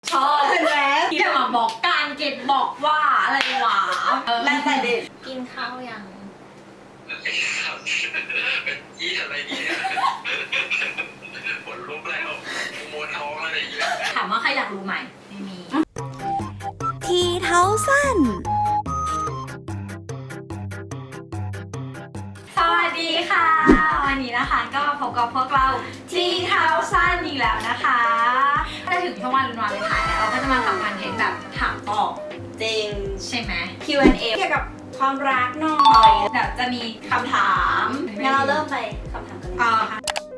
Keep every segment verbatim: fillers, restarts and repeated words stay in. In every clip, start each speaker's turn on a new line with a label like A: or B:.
A: ชอบ
B: แล้ว
A: ที่มาบอกการเก็ตบอกว่าอะไรวะ
B: แล้วแต่เด็ก
C: กินข้าวยัง
D: ไอ้สัตว์เป็นยี่อะไรเนี่ยปวดลุกแล้วมวนท้องอะไรอย่างเงี้ย
A: ถามว่าใครอยากรู้ไหมไม่มี
E: ทีเท้าสั้น
A: สวัสดีค่ะวันนี้นะคะก็พบกับพวกเราทีเท้าสั้นอีกแล้วนะคะถ้าถึงช่วงวันวันเลยถ่ายแล้วเราก็จะมาทำคอนเทนต์แบบถามตอบ
B: จริง
A: ใช่ไหม
B: คิว แอนด์ เอ เกี่ยวกับความรักหน่อย
A: เดี๋ยวจะมีคำถาม
B: งั้นเราเริ่มไปคำถามกันเลย
A: อ่าค่ะ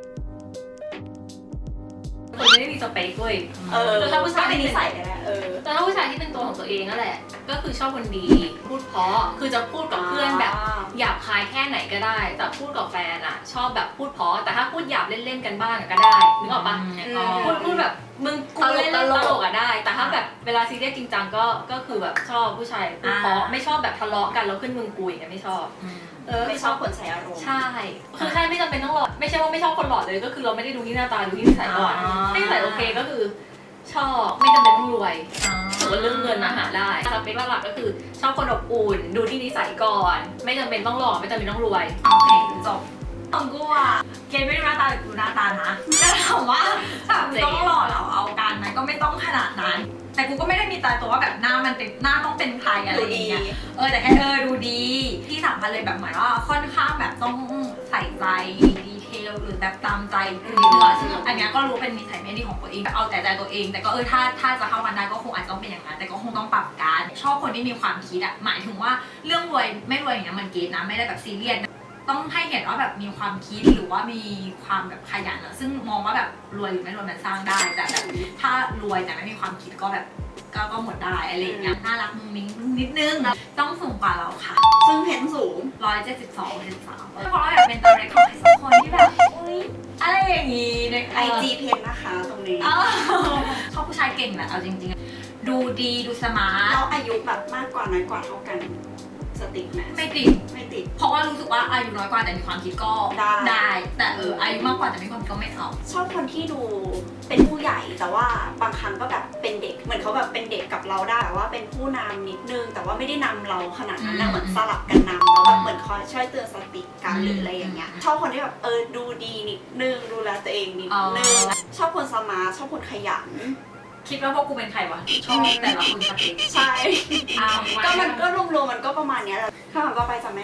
A: คนไม่ได้มีสเปคเว้ย
B: เออ
C: แล้วถ้าผู้ชาย
B: ก็เป็นนิสัยกันแหละเออ
C: แต่ถ้าผู้ชายที่เป็นตัวของตัวเองนั่นแหละ ก็คือชอบคนดี พูดเพราะ คือจะพูดกับเพื่อนแบบหยาบคายแค่ไหนก็ได้ แต่พูดกับแฟนอะชอบแบบพูดเพราะ แต่ถ้าพูดหยาบเล่นๆกันบ้างก็ได้นึกออกปะ พูดพูดแบบมึงกูเล่นเล่นตลกอะได้ แต่ถ้าแบบเวลาซีเรียสจริงจังก็ก็คือแบบชอบผู้ชายพูดเพราะไม่ชอบแบบทะเลาะกันแล้วขึ้นมึงกุยกันไม่ชอบเออ
B: ไม่ชอบคนใส่อารมณ์
C: ใช่คือใช่ไม่จำเป็นต้องหล่อไม่ใช่ว่าไม่ชอบคนหล่อเลยก็คือเราไม่ได้ดูที่หน้าตาดูที่นิสัยก่อนถ้านิสัยโอเคก็คือชอบไม่จำเป็นต้องรวยถือว่าเรื่องเงินมาหาได้สเปคหลักๆก็คือชอบคนอบอุ่นดูที่นิสัยก่อน ไม่จำเป็นต้องหล่อไม่จำเป็นต้องรวย
A: โอเคจบของกูอ่ะเกณฑ์ไม่ได้หน้าตาแต่กูหน้าตานะแต่ถามว่าถามต้องหล่อเหราเอาการไหมก็ไม่ต้องขนาดนั้น แต่กูก็ไม่ได้มีตายตัวว่าแบบหน้ามันเป็นหน้าต้องเป็นใครอะไรอย่างเงี้ยเออแต่แค่เออดูดีที่สำคัญเลยแบบเหมือนว่าค่อนข้างแบบต้องใส่ใจดีเทลหรือแบบตามใจคือนิดนึงซึ่งอันเนี้ยก็รู้เป็นนิสัยไม่ดีของตัวเองแบบเอาแต่ใจตัวเองแต่ก็เออถ้าถ้าจะเข้ากันได้ก็คงอาจจะต้องเป็นอย่างนั้นแต่ก็คงต้องปรับการชอบคนที่มีความคิดอะหมายถึงว่าเรื่องรวยไม่รวยอย่างเงี้ยมันเกณฑ์นะไม่ได้แบบซีเรียสต้องให้เห็นว่าแบบมีความคิดหรือว่ามีความแบบขยันอะซึ่งมองว่าแบบรวยหรือไม่รวยมันสร้างได้แต่แบบถ้ารวยแต่ไม่มีความคิดก็แบบก็ก็หมดได้อะไรอย่างเงี้ยน่ารักมุ้งมิ้งนิดนึงต้องสูงกว่าเราค่ะ
B: ซึ่งเพนสูง
A: ร้อยเจ็ดสิบสองเจ็ดสิบสามเพราะเราอยากเป็นตัวเล็กของใครสักคนที่แบบอุ้ยอะไรอย่างงี้ใน
B: ไอจีเพนนะคะตรงนี้
A: เออชอบผู้ชายเก่งแหละเอาจริงๆดูดีดูสมาร์ท
B: เราอายุแบบมากกว่าน้อยกว่าเท่ากันสติ๊กไหม
A: ไม่ติด
B: ไม่ติด
A: เพราะว่ารู้สึกว่าอายุน้อยกว่าแต่มีความคิดก็
B: ได้
A: ได้แต่เอออายุมากกว่าแต่มีความคิดก็ไม่เอา
B: ชอบคนที่ดูเป็นผู้ใหญ่แต่ว่าบางครั้งก็แบบเป็นเด็กเหมือนเขาแบบเป็นเด็กกับเราได้แต่ว่าเป็นผู้นำนิดนึงแต่ว่าไม่ได้นำเราขนาดนั้นนะเหมือนสลับกันนำแล้วแบบเหมือนคอยช่วยเตือนสติกันหรืออะไรอย่างเงี้ยชอบคนที่แบบเออดูดีนิดนึงดูแลตัวเองนิดนึงชอบคนสมาร์ทชอบคนขยัน
A: คิดว่าพวกกูเป็นใครวะชอบแต่ละคนสเปค
B: ใช่
A: อ้าว
B: ก็มันก็รวมๆมันก็ประมาณเนี้ยแหละคำถามต่อไปจ้ะแม่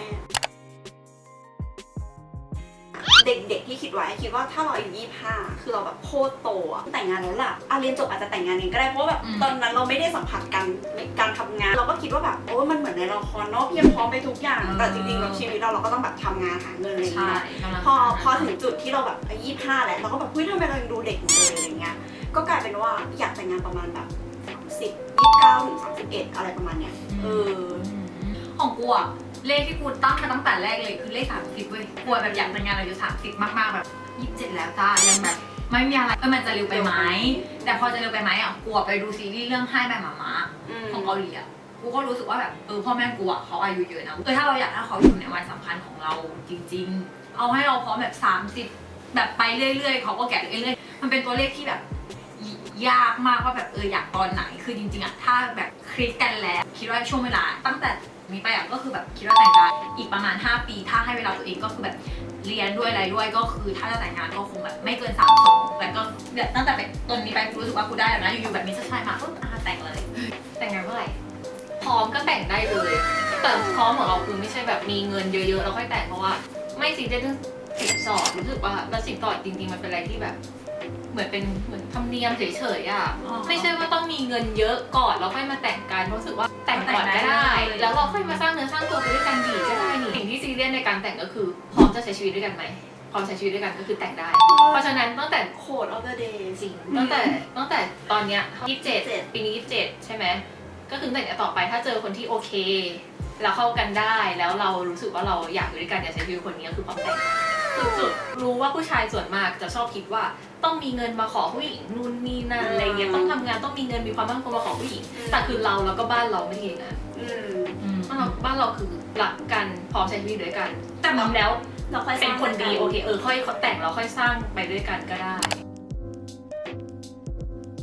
B: เด็กๆที่คิดไว้คิดว่าถ้าเราอายุยี่สิบห้าคือเราแบบโคตรโตอะแต่งงานแล้วล่ะอ่ะเรียนจบอาจจะแต่งงานเองก็ได้เพราะว่าแบบตอนนั้นเราไม่ได้สัมผัสกันการทำงาน เราก็คิดว่าแบบโอ้มันเหมือนในละครเนาะเพียบพร้อมไปทุกอย่างแต่จริงๆแบบชีวิตเราเราก็ต้องแบบทำงานหาเงินอะไรอย่าง
A: ใช่
B: เงี้ยพอพอถึงจุดที่เราแบบอายุยี่สิบห้าแล้วเราก็แบบเฮ้ยทำไมเรายังดูเด็กอยู่เลยอะไรเงี้ยก็กลายเป็นว่าอยากแต่งงานประมาณแบบสามสิบ ยี่สิบเก้าถึงสามสิบเอ็ดอะไรประมาณเนี้ยเออ
A: ของกูอะเลขที่กูตั้งมาตั้งแต่แรกเลยคือเลขสามสิบเว้ยกูแบบอยากแต่งงานอายุสามสิบมากๆแบบยี่สิบเจ็ดแล้วจ้ายังแบบไม่มีอะไรเออมันจะเร็วไปไหมแต่พอจะเร็วไปไหมอ่ะกูไปดูซีรีส์เรื่องให้แม่หมาม้าของเกาหลีอ่ะกูก็รู้สึกว่าแบบเออพ่อแม่กูอ่ะเขาอายุเยอะนะเออถ้าเราอยากให้เขาอยู่ในวันสำคัญของเราจริงๆเอาให้เราพร้อมแบบสามสิบแบบไปเรื่อยๆเขาก็แก่เรื่อยๆมันเป็นตัวเลขที่แบบยากมากว่าแบบเอออยากตอนไหนคือจริงๆอ่ะถ้าแบบคลิกกันแล้วคิดว่าช่วงเวลาตั้งแต่นี้ไปอ่ะก็คือแบบคิดว่าแต่งงานอีกประมาณห้าปีถ้าให้เวลาตัวเองก็คือแบบเรียนด้วยอะไรด้วยก็คือถ้าจะแต่งงานก็คงแบบไม่เกินสามสองแล้วก็แบบตั้งแต่ต้นนี้ไปรู้สึกว่ากูได้แล้วนะอยู่ๆแบบมีชายมาปุ๊บอ่ะแต่งเลย
C: แต่งงานเมื่อไหร่พร้อมก็แต่งได้เลยแต่พร้อมของเราคือไม่ใช่แบบมีเงินเยอะๆแล้วค่อยแต่งเพราะว่าไม่ซีเรียสเรื่องสินสอดรู้สึกว่าแล้วสินสอดจริงๆมันเป็นอะไรที่แบบเหมือนเป็นเหมือนธรรมเนียมเฉยๆอ่ะไม่ใช่ว่าต้องมีเงินเยอะก่อนแล้วค่อยมาแต่งกันรู้สึกว่าแต่งก่อนก็ได้ แล้วเราค่อยมาสร้างเนื้อสร้างตัวไปด้วยกันดีก็ได้นี่สิ่งที่ซีเรียสในการแต่งก็คือพร้อมจะใช้ชีวิตด้วยกันไหมพร้อมใช้ชีวิตด้วยกันก็คือแต่งได้ เพราะฉะนั้นตั้งแต่
B: โคดออฟเดอะเดย์
C: จริงตั้งแต่ตั้งแต่ตอนเนี้ยยี่สิบเจ็ดปีนี้ยี่สิบเจ็ดใช่ไหมก็คือแต่งต่อไปถ้าเจอคนที่โอเคเราเข้ากันได้แล้วเรารู้สึกว่าเราอยากอยู่ด้วยกันอยากใช้ชีวิตคนนี้ก็คือพร้อมแต่งสุดๆรู้ว่าผู้ชายส่วนมากจะชอบคิดว่าต้องมีเงินมาขอผู้หญิงนู่นนี่นั่นอะไรเงี้ยต้องทำงานต้องมีเงินมีความมั่นคงมาขอผู้หญิงแต่คือเราแล้วก็บ้านเราไม่ได้อย่างนั้น
B: อืม
C: บ้านเราบ้านเราคือรักกันพร้อมใช้ชีวิตด้วยกัน
A: แต่
C: พร้อมแล้ว
B: เราค่อยส
C: เป็
B: ร้าน ง
C: คนดีโอเคเออค่อยแต่งแล้วค่อยสร้างไปด้วยกันก็ได้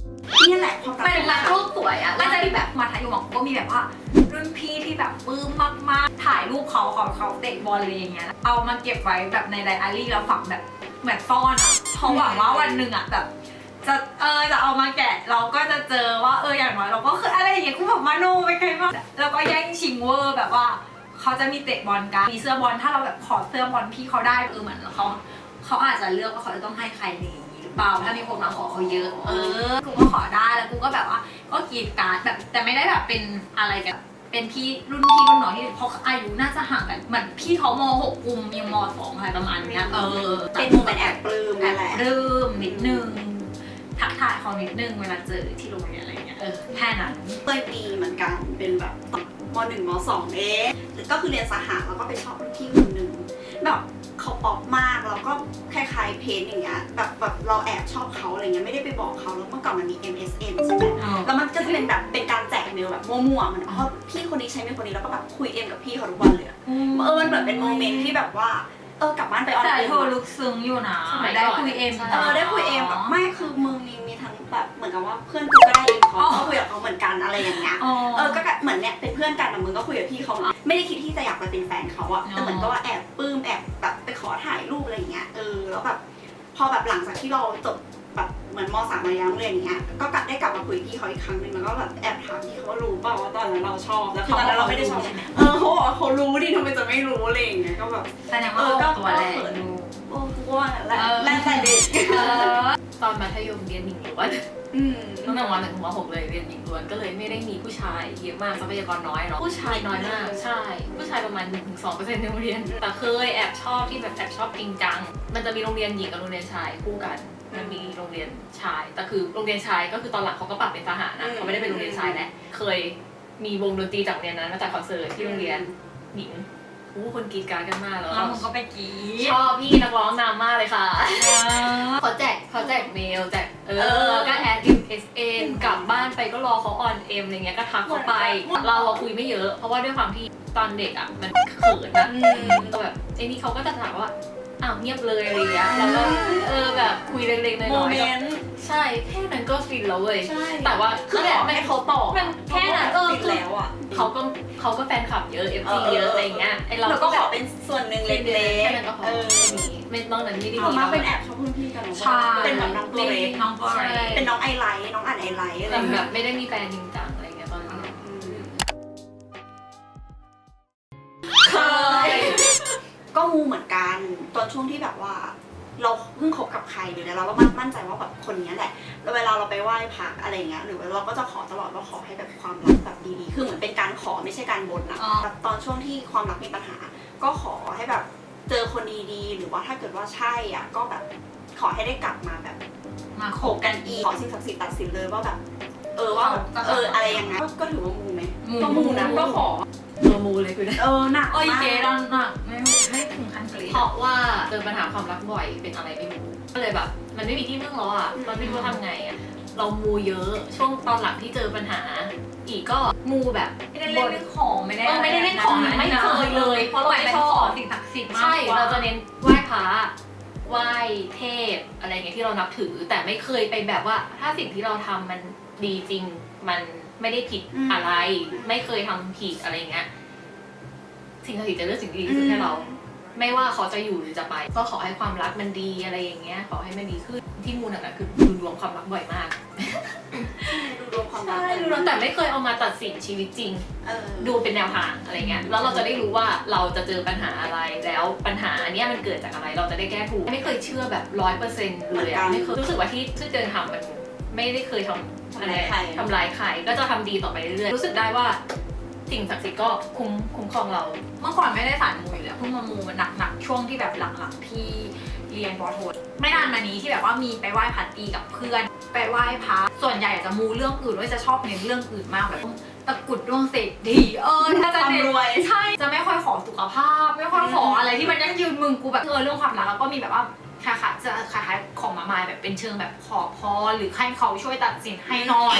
B: นี่แหละความรัก
A: เป็นรักโลกสวยอ่ะ
B: มั
A: ก็
B: น
A: จะ
B: จะ
A: มีแบบมาทายมก็มีแบบว่ารุ่นพี่ที่แบบปลื้มมากๆถ่ายรูปเขาเขาเขาเตะบอลอะไรอย่างเงี้ยเอามาเก็บไว้แบบในไดอารี่แล้วฝังแบบเหมือนซ่อนอ่ะเพราะหวังว่าวันหนึ่งอ่ะแบบจะเออจะเอามาแกะเราก็จะเจอว่าเอออย่างน้อยเราก็คืออะไรอย่างเงี้ยกูแบบมาโนไปไกลมากแล้วก็แย่งชิงเวอร์แบบว่าเขาจะมีเตะบอลกันมีเสื้อบอลถ้าเราแบบขอเสื้อบอลพี่เขาได้เออเหมือนเขาเขาอาจจะเลือกว่าเขาจะต้องให้ใครในอย่างนี้หรือเปล่าถ้ามีคนมาขอเขาเยอะเออกูก็ขอได้แล้วกูก็แบบว่าก็กรีดการ์ดแบบแต่ไม่ได้แบบเป็นอะไรกันเป็นพี่รุ่นพี่รุ่นน้องที่เพราะอายุน่าจะห่างกันเหมือนพี่เขามหกกุมยังมสองอะไรประมาณเนี้ยเออ
B: เป็นโมเมนต์แอบปลื้ม
A: แอ
B: นั่
A: บ
B: นแหละ
A: ปลื้มนิดนึงทักทายเขานิดนึงเวลาเจอที่โรงเรียนอะไรเงี้ยเออแค่นั้น
B: เคยปีเหมือนกันเป็นแบบมหนึ่งมสองเองก็คือเรียนสหะแล้วก็ไปชอบรุ่นพี่คนหนึ่งแบบเขาป๊อปมากแล้วก็คล้ายๆเพนอย่างเงี้ยแบบแบบเราแอบชอบเขาอะไรเงี้ยไม่ได้ไปบอกเขาแล้วเมื่อก่อนมันมี เอ็ม เอส เอ็น ใช่ไหมแล้วมันก็จะเป็นแบบเป็นการแจกเมลแบบมั่วๆมันอ๋อพี่คนนี้ใช้เมลคนนี้แล้วก็แบบคุยเอ็มกับพี่เขาทุกวันเลยเออมันเหมือนเป็นโมเมนต์ที่แบบว่าเออกลับบ้านไปออน
A: แต่
B: เอ็ม
A: เธอลึกซึ้งอยู่นะ
C: สมัยก่
A: ได้
C: อน
A: คุยเอ็ม
B: เออได้คุยเอ็มแบบไม่คือมึงมีมีทั้งแบบเหมือนกับว่าเพื่อนกูก็ได้เอ็มเขาก็คุยกับเขาเหมือนกันอะไรอย่างเงี้ย เออ ก็เหมือนเนี่ยเป็นเพื่อนกันแต่มึงก็คุยกับพี่เขาไม่ได้คิดที่จะอยากไปเป็นแฟนเขาอะแต่เหมือนก็ว่าแอบปลื้มแอบแบบไปขอถ่ายรูปอะไรอย่างเงี้ย เออ แล้วแบบพอแบบหลังจากที่เราจบแบบเหมือนมสามมายังเรียนอย่างเงี้ย ก็กลับได้กลับมาคุยกับพี่เขาอีกครั้งหนึงแล้วก็แบบแอบถามพี่เขาว่ารู้เปล่าว่าตอนนั้นเราชอบ แล้วคือตอนนั้นเราไม่ได้ชอบ เออเขาบอกว่าเขารู้ดิทำไมจะไม่รู้อะไรอย่างเงี้ย ก็แบบ
A: แสดงว่าเราตัวแรง
B: โอ้กูว่าแหละแรกแต่เด็ก
C: ตอนมัธยมเรียนหญิงล้วน
B: อืม
C: ตั้งแต่วันหนึ่งถึงมหกเลยเรียนหญิงล้วนก็เลยไม่ได้มีผู้ชายเยอะมากทรัพยากรน้อยเนาะผู้ชายน้อยมากใช่ ผู้ชายประมาณ หนึ่งถึงสองเปอร์เซ็นต์ ในโรงเรียนแต่เคยแอบชอบที่แบบแอบชอบจริงจังมันจะมีโรงเรียนหญิงกับโรงเรียนชายคู่กันมันมีโรงเรียนชายแต่คือโรงเรียนชายก็คือตอนหลังเขาก็ปรับเป็นทหารนะเขาไม่ได้เป็นโรงเรียนชายแล้วเคยมีวงดนตรีจากโรงเรียนนั้นมาจากคอนเสิร์ตที่โรงเรียนหญิงอู้คนกรีดกรารกันมากแล้ว
A: แล้วมึงก็ไปกรีด
C: ชอบพี่นักร้องนำมากเลยค่ะเขาแจกเขาแจกเมลแจกเออก็แอด เอ็ม เอส เอ็น กลับบ้านไปก็รอเขาออนเอ็มอะไรเงี้ยก็ทักเขาไป เราอะคุยไม่เยอะเพราะว่าด้วยความที่ตอนเด็กอะมันเขินอะก็แบบไอ้นี่เขาก็จะถามว่าอ้าวเงียบเลยอะไรเงี้ยแล้วก็เออแบบคุยเล็กๆน้อยๆ
B: โมเมนต์
C: ใช่แค่นั้นก็ฟินแล้วเว้ย
B: ใช่
C: แต่ว่า
B: คือ
C: นั่นแห
B: ข
C: ละ
B: อ
C: มัน
B: ให้เขาตอบ
C: มันแค่นั้นเออ
B: ติดแล้วอ่ะ
C: เขาก็เขาก็แฟนคลับเยอะ เอฟ ซี
B: เออ
C: เยอะอะไรเงี้ยไอเรา
B: เราก็ขอเป็นส่วนหนึ่งเล็ก
C: แค่นั้นก็พ
B: ๆ
C: อ
B: เออ
C: ไม่มีไม่นอกนั้นไม่ได้
B: ส่วน
C: มี
B: มากเป็นแอบชอบรุ่นพี่กันเนอะ
A: ใช่
B: เป็นแบบน้องตัวเล็ก
A: น้องตัวเล็ก
B: เป็นน้องไอไลท์น้องอ่านไอไลท์อะไร
C: แต่
B: อย่าง
C: แบ
B: เงี้ย
C: บไม่ได้มีแฟนจริงจังอะไรเงี้ยตอนนั้น
B: อืม
C: เคย
B: ก็มูเหมือนกันตอนช่วงที่แบบว่า เราเพิ่งคบกับใครหรืออะไรเราก็มั่นใจว่าแบบคนนี้แหละแล้วเวลาเราไปไหว้พระอะไรเงี้ยหรือว่าเราก็จะขอตลอดว่าขอให้แบบความรักแบบดีๆคือเหมือนเป็นการขอไม่ใช่การบ่นนะแบบตอนช่วงที่ความรักมีปัญหา ก็ขอให้แบบเจอคนดีๆหรือว่าถ้าเกิดว่าใช่อ่ะก็แบบขอให้ได้กลับมาแบบ
A: มา
B: โข
A: โข
B: ก
A: ก
B: กันอีกขอสิ่งศักดิ์สิทธิ์ตัดสินเลยว่าแบบ เออว่าแบบเอออะไรยังไงก็ก็ถือว่ามูไหมก็มูนะก็ขอ
C: ตัวมูเลยคือ
B: เออหนัก
A: โอ้ย
B: มาก
A: เจ๊ดอนหนักไม่ไม่ถึงขั้นกรีด
C: เพราะว่าเจอปัญหาความรักบ่อยเป็นอะไรไม่รู้ก็เลยแบบ มันไม่มีที่พึ่งแล้วอ่ะเราไม่รู้ทำไงอ่ะเรามูเยอะช่วงตอนหลังที่เจอปัญหา อีกก็มูแบบ
A: ไม่ได้เล่นเรื่องของไม่ได้
C: เออไม่ได้เล่นของไม่เคยเลยเพราะเรา
A: หมาย
C: ไม่
A: เป็น
C: ชอ
A: ขอบ สิ่งศักดิ์สิทธิ์มาก
C: ใช่
A: กว่า
C: เราจะเน้นไหว้พระไหว้เทพอะไรเงี้ยที่เรานับถือ แต่ไม่เคยไปแบบว่า ถ้าสิ่งที่เราทำมันดีจริง มันไม่ได้ผิดอะไร ไม่เคยทำผิดอะไรเงี้ยสิ่งศักดิ์สิทธิ์จะเลือกสิ่งที่ดีที่สุดให้เรา ไม่ว่าเขาจะอยู่หรือจะไป ก็ขอให้ความรักมันดีอะไรอย่างเงี้ยขอให้มันดีขึ้นที่มูลน่ะคือดูดวงความรักบ่อยมาก
B: ดูดวงความรัก
C: ใช่ดูดวงแต่ไม่เคยเอามาตัดสินชีวิตจริง
B: เออ
C: ดูเป็นแนวทางอะไรเงี้ย แล้วเราจะได้รู้ว่าเราจะเจอปัญหาอะไร แล้วปัญหาอันเนี้ยมันเกิดจากอะไร เราจะได้แก้ถูก ไม่เคยเชื่อแบบร้อยเปอร์เซ็นต์เลยอะไม่เคยรู้สึกว่าที่ที่เจอทำมันไม่ได้เคยทำอะไรทำร้ายใคร ก็จะทำดีต่อไปเรื่อยๆ รู้สึกได้ว่าสิ่งศักดิ์สิทธิ์ก็คุ้มคุ้มครองเรา
A: เมื่อก่อนไม่ได้สายมูอยู่แล้วเพิ่งมามูมันหนักๆช่วงที่แบบหลังๆที่เรียนปอโทไม่นานมานี้ที่แบบว่ามีไปไหว้พระตีกับเพื่อนไปไหว้พระส่วนใหญ่จะมูเรื่องอื่นด้วยจะชอบเน้นเรื่องอื่นมากแบบตะกรุดดวงเศรษฐีเออถ้าจะ
B: ความ
A: เน้น
B: รวย
A: ใช่จะไม่ค่อยขอสุขภาพ ไม่ค่อยขออะไรที่มันยั่งยืนมึงกูแบบเออเรื่องความรักแล้วก็มีแบบว่าคล้ายๆจะคล้ายๆของมามายแบบเป็นเชิงแบบขอพรหรือให้เขาช่วยตัดสินให้หน่อย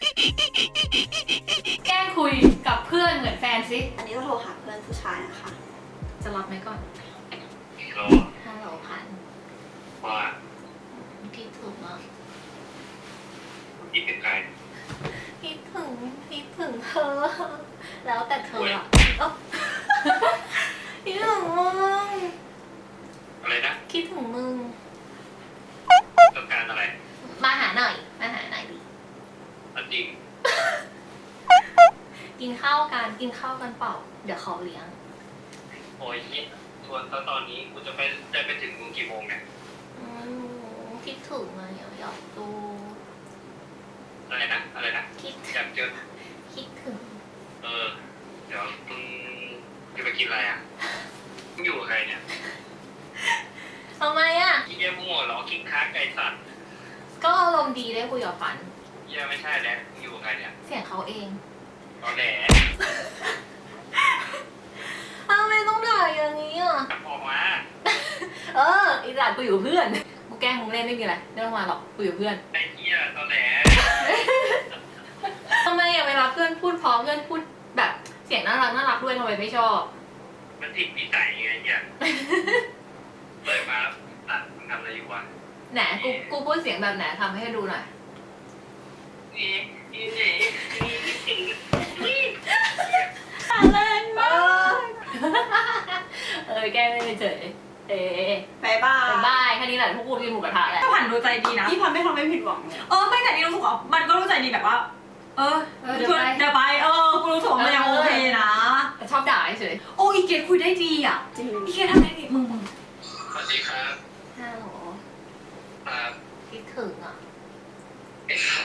C: แกล้งคุยกับเพื่อนเหมือนแฟนซิ
B: อันนี้จะโทรหาเพื่อนผู้ชายนะคะ
C: จะรับไหมก่อน
D: รอ
C: ฮัลโหลพัน
D: ว่า
C: พี่ถูกเนาะ
D: คิดถึงใคร
C: คิดถึงคิดถึงเธอ แล้วแต่เธออะเอ้าคิดถึงมึง
D: อะไรนะ
C: คิดถึงมึง
D: ต้องการอะไร
C: มาหาหน่อยมาหาหน่อยดิ
D: เอาจริง
C: กินข้าวกันกินข้าวกันเปล่าเดี๋ยวเขาเลี้ยง
D: โอ้ยคิดชวนตอนตอนนี้กูจะไปจะไปถึงมึงกี่โมงเนี่ย
C: อืมคิดถึงอะอยากอยากดู
D: อะไรนะอะไรนะ
C: คิด
D: อยากเจอ
C: คิดถึง
D: เออเดี๋ยวมึงจะไปกินอะไรอ่ะมึงอยู่กับใครเนี่ย
C: ทำไมอ่ะ
D: อีเยี่ยมั่วเหรอคิงค้าไก่สัตว์
C: ก็อารมณ์ดีได้คุยกับฝัน
D: เยี่ยไม่ใช่แล้วมึงอยู่กับใครเนี่ย
C: เสียงเขาเอง
D: ตอนแหล
C: ทำไมต้องด่าอย่างนี้อ่ะ
D: กลับออกมา
C: เอออีหลานกูอยู่เพื่อนกูแกล้งมึงเล่นไม่มีอะไรไม่ต้องมาหรอกกูอยู่เพื่อน
D: ไอ้เหี้ยตอนแหล
C: ทำไมอ่ะเวลาเพื่อนพูดเพราะเพื่อนพูดแบบเสียงน่ารักน่ารักด้วยทำไมไม่ชอบ
D: มันติดนิสัยไงเนี่ยเลยมาตัดมึงทำอะไรอยู่วะ
C: ไหนกูกูพูดเสียงแบบไหนทำให้ดูหน่อย
D: นี่นี่นี่นี่นี่
A: แรงมาก
C: เออแกล้งไม่เฉยเอ๊ะ
B: บายบาย
C: บายแค่นี้แหละพวกกูกินหมูกระทะแหละ
A: ถ้าผ่านดูใจดีนะ
B: พี่พันไม่ทำให้ผิดหวังเลย
A: เออไม่แต่นี่รู้สึกว่ามันก็รู้ใจดีแบบว่า เออ
C: เออเดี๋ยวไป
A: เดี๋ยวไปเออกูรู้สึกว่ามันยังโอเคนะ
C: แต่ชอบด่าเฉย
A: โอ้อีเกดคุยได้ดีอ่ะ
B: จริง
A: อีเกดทำได้ดีมึงมึง
D: สวัสดีครับ
C: ฮัลโหล
D: ครับ
C: คิดถึงอ่ะ
D: ไอ้สัตว์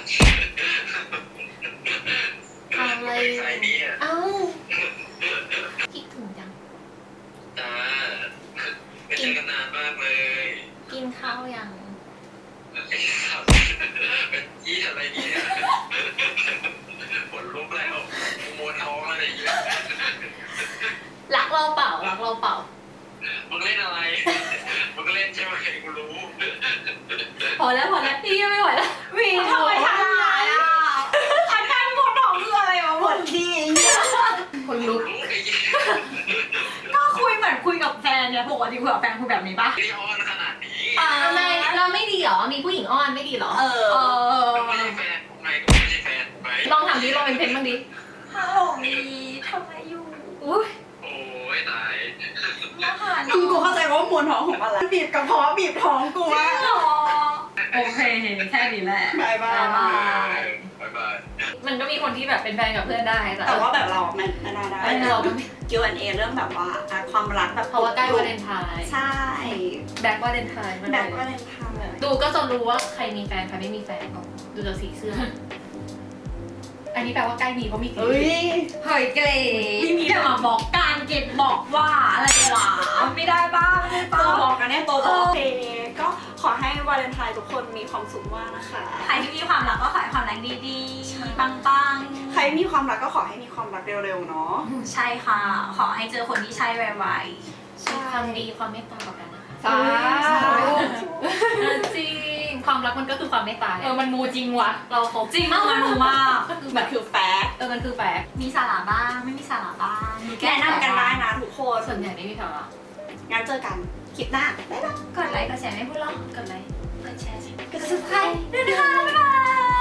C: อะไร
D: ใครเนี่ย
C: เอ้าคิดถึงจัง
D: จ้าไม่เจอกันนานมากเลย
C: กินข้าวยัง
D: ไอ้สัตว์เป็นยี่อะไรเนี่ยปวดลุกแล้วกูมวนท้องอะไรอย่างเงี้ย
C: รักเราเปล่ารักเราเปล่า
D: มึงเล่นอะไรมึงก็เล่นใช่ไหมกูรู้
C: พอแล้วพอแล้วพี่ยังไม่ไหวแล้ว
A: วีทำไมทำร้ายอ่ะอาการปวดท้องคืออะไรวะ
B: ปวดดี
C: คนลุก
D: รู้ไอ้ยี่
A: ก็คุยเหมือนคุยกับแฟนเนี่ยปกติคุยกับแฟนคุยแบบนี้ปะ
D: ที่อ้อนขนาดนี้
C: ทำไมเราไม่ดีเหรอมีผู้หญิงอ้อนไม่ดีเหรอ
B: เอ
A: เอ
B: อ
A: อ
D: ก็ไม่ใช่แฟนผมไงก็ไม่ใช่แฟนผมไง
C: ลองทำดิลองเป็นเพนบ้างดิ
A: ฮัลโหลวีทำไมอยู่
C: อุ้ย
D: โอ้ยตาย
A: มาหาห
B: คือ
A: นู
B: กูเข้าใจว่ามวลท้องของอะไรบีบกระเพาะบีบท้องกูว่า
A: หรอโอเคแค่นี้แหละ
B: บายบาย
A: บ๊ายบาย
D: บายบาย
C: มันก็มีคนที่แบบเป็นแฟนกับเพื่อนได้แต่
B: แต่ว่าแบบเราไม่ไม่น่าได้
C: เออเราก็ไม่
B: คิว แอนด์ เอ เรื่องแบบว่าอ่ะความรักแบบ
C: เพราะว่าใกล้วาเลนไทน์
B: ใช่
C: แบ็ควาเลนไทน์มัน
B: แบ
C: เล
B: บ
C: ย
B: วาเลนไทน์
C: ดูก็จะรู้ว่าใครมีแฟนใครไม่มีแฟนดูจากสีเสื้อ อันนี้แปลว่าใกล้มีเพราะมีสี
B: เฮ้ย
A: เฮ้ยเกรดไม่มีแต่มาบอกการเก็บบอกว่าอะไรวะไม่ได้ป้าไม่ได้ป้า
B: ตัวบอกกันเนี่ยตัวบอกโอเคก็ขอให้วาเลนไทน์ทุกคนมีความสุขมากนะคะ
A: ใครที่มีความรักก็ขอให้ความรักดีๆ ปังๆ
B: ใครมีความรักก็ขอให้มีความรักเร็วๆเนาะ
A: ใช่ค่ะ ขอให้เจอคนที่ใช่ไว
C: มีความดีความเมตตาต่อกันนะคะ
B: สาธุ
C: จริงความรักมันก็คือความเมตตาเออมันมูจริงว่ะเราครบ
A: ๆ จริงมากมันรู้มาก
B: มันคือแฟกต์
C: เออมันคือแฟกต์
A: มีสาระบ้าง ไม่มีสาระบ้างมีแก้
B: แนะนำกันได้นะทุกคน
C: ส่วนใหญ่ไม่มีสาระ
B: งั้นเจอกันคลิปหน้าบ๊ายบาย
A: กดไลค์กดแชร์ไม่พูดหรอกกดไลค์กดแชร์
B: กด subscribe
A: ด้วยนะคะบ๊ายบาย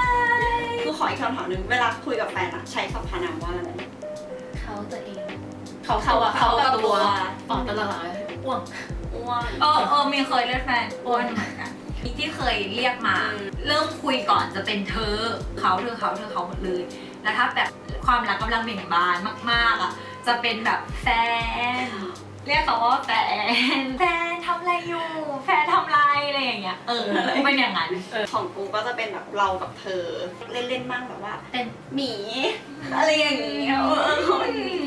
B: คือขออีกคำถามหนึ่งเวลาคุยกับแฟนอะใช้สรรพนามว่าอะไร
C: เขาตัวเอง เขาตัวเขากับตัวอ๋อตลอดอ้วง
B: อ้วน
A: เออเออมีเคยเรียกแฟนอ้วนเหมือนกันมีที่เคยเรียกมา
B: อืม
A: เริ่มคุยก่อนจะเป็นเธอ เขาเธอเขาเธอเขาหมดเลย แล้วถ้าแบบความรักกำลังเบ่งบานมากๆอ่ะ จะเป็นแบบแฟน เรียกเขาว่าแฟน แฟนทำอะไรอยู่ แฟนทำอะไรอะไรอย่างเงี้ย เออกูเป็นอย่างนั้น
B: ของกูก็จะเป็นแบบเรากับเธอ เล่นๆมั่งแบบว่า
C: เป็น
B: หมี อะไรอย่างเงี้ยเออ